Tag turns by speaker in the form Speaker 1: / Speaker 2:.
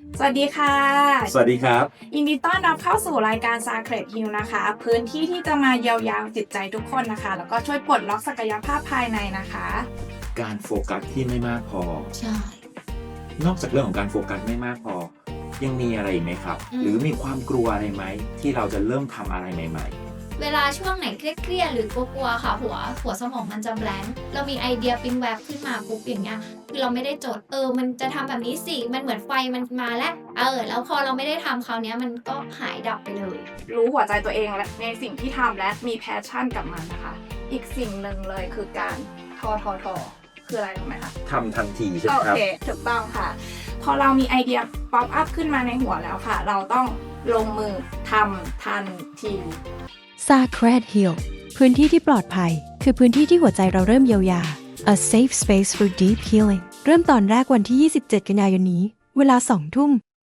Speaker 1: สวัสดีค่ะ
Speaker 2: สวัสดีครับ
Speaker 1: ยินดีต้อนรับเข้าสู่รายการ Sacred Heal นะคะ พื้นที่ที่จะมาเยียวยาจิตใจทุกคนนะคะ แล้วก็ช่วยปลดล็อกศักยภาพภายในนะคะ
Speaker 2: การโฟกัสที่ไม่มากพอ
Speaker 3: ใช่
Speaker 2: นอกจากเรื่องของการโฟกัสไม่มากพอ ยังมีอะไรอีกไหมครับ หรือมีความกลัวอะไรไหมที่เราจะเริ่มทำอะไรใหม่
Speaker 3: เวลาช่วงไหนเครียดๆหรือกลัวๆค่ะหัวสมองมันจะแบลงค์เรามีไอเดียปิ๊งแวบขึ้นมาปุ๊บอย่างเงี้ยคือเราไม่ได้จดมันจะทำแบบนี้สิมันเหมือนไฟมันมาแล้วแล้วพอเราไม่ได้ทำคราวเนี้ยมันก็หายดับไปเลย
Speaker 1: รู้หัวใจตัวเองและในสิ่งที่ทำและมีแพชชั่นกับมันนะคะ อีกสิ่งหนึ่งเลยคือการทอคืออะไรรู้ไหมคะ
Speaker 2: ๆทำทันทีใช่ไหม
Speaker 1: โอ
Speaker 2: ครับ
Speaker 1: เคถูกต้องค่ะ พอเรามีไอเดียป๊อปอัพขึ้นมาในหัวแล้วค่ะ เราต้องลงมือทำทันที
Speaker 4: Sacred Heal พื้นที่ที่ปลอดภัย คือพื้นที่ที่หัวใจเราเริ่มเยียวยา A safe space for deep healing เริ่มตอนแรกวันที่ 27 กันยายนนี้ เวลา 2 ทุ่ม